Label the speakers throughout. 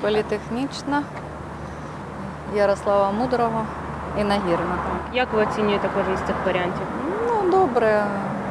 Speaker 1: Політехнічна, Ярослава Мудрого і Нагірна.
Speaker 2: Як ви оцінюєте кожен з цих варіантів?
Speaker 1: Ну, добре.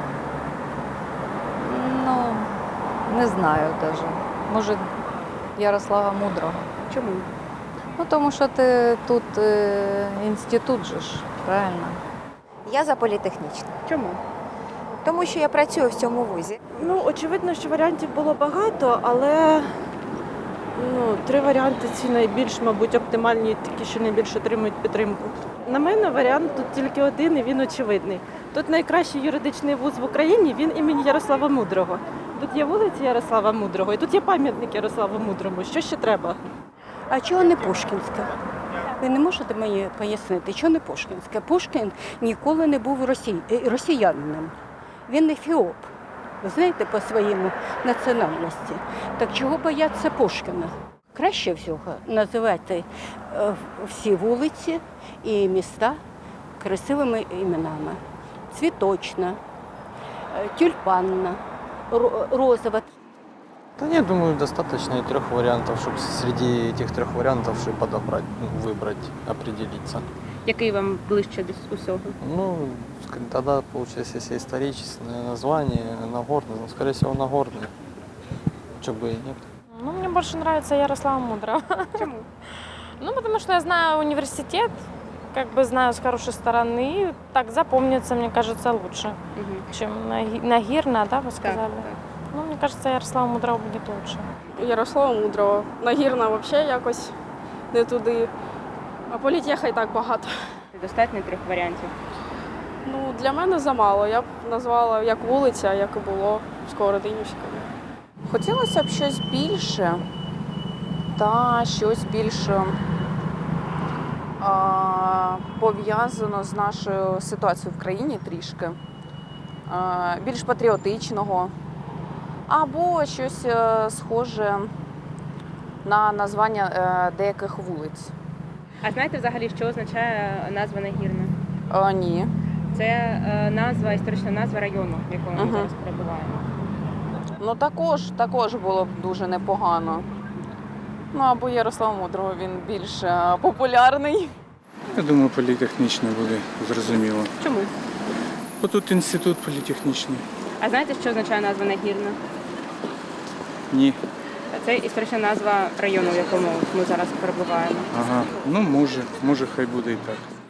Speaker 1: Ну, не знаю навіть. Може, Ярослава Мудрого.
Speaker 2: Чому?
Speaker 1: Ну, тому що ти тут інститут же ж, правильно?
Speaker 3: Я за політехнічну,
Speaker 2: Чому?
Speaker 3: тому що я працюю в цьому вузі.
Speaker 4: Ну, очевидно, що варіантів було багато, але три варіанти ці найбільш, мабуть, оптимальні, такі, що найбільше отримують підтримку. На мене варіант тут тільки один, і він очевидний. Тут найкращий юридичний вуз в Україні, він імені Ярослава Мудрого. Тут є вулиця Ярослава Мудрого, і тут є пам'ятник Ярославу Мудрому. Що ще треба?
Speaker 5: А чого не Пушкінська? Ви не можете мені пояснити, чого не Пушкінська? Пушкін ніколи не був росіянином. Він ефіоп, ви знаєте, по своєму національності. Так чого бояться Пушкіна? Краще всього називати всі вулиці і міста красивими іменами. Цвіточна, тюльпанна, розова.
Speaker 6: Да нет, думаю, достаточно и 3 вариантов, чтобы среди этих 3 вариантов чтобы подобрать, выбрать, определиться.
Speaker 2: Який вам ближче до усього?
Speaker 6: Ну, тогда, получается, если историческое название, Нагорный, ну, скорее всего, Нагорный. Чего бы и нет.
Speaker 7: Ну, мне больше нравится Ярослава Мудрого.
Speaker 2: Чому?
Speaker 7: Ну, потому что я знаю университет, как бы знаю с хорошей стороны, и так запомнится, мне кажется, лучше, чем Нагирна, да, вы сказали?
Speaker 2: Так.
Speaker 7: Ну, мне кажется, Ярослава Мудрого будет лучше.
Speaker 8: Ярослава Мудрого. Нагірна взагалі якось не туди. А політеха і так багато.
Speaker 2: Достатньо 3 варіантів.
Speaker 8: Ну, для мене замало. Я б назвала як вулиця, як і було Сковородинівською.
Speaker 9: Хотілося б щось більше та щось більш пов'язано з нашою ситуацією в країні трішки, більш патріотичного, або щось схоже на названня деяких вулиць.
Speaker 2: А знаєте взагалі, що означає назва Нагірна?
Speaker 9: Ні.
Speaker 2: Це назва, історична назва району, в якому ми зараз перебуваємо.
Speaker 9: Ну також було б дуже непогано. Ну або Ярослав Мудрого, він більш популярний.
Speaker 10: Я думаю, політехнічне буде зрозуміло.
Speaker 2: Чому?
Speaker 10: Бо тут інститут політехнічний.
Speaker 2: А знаєте, що означає назва Нагірна?
Speaker 10: Ні.
Speaker 2: Це історична назва району, в якому ми зараз перебуваємо.
Speaker 10: Ага. Ну може хай буде і так.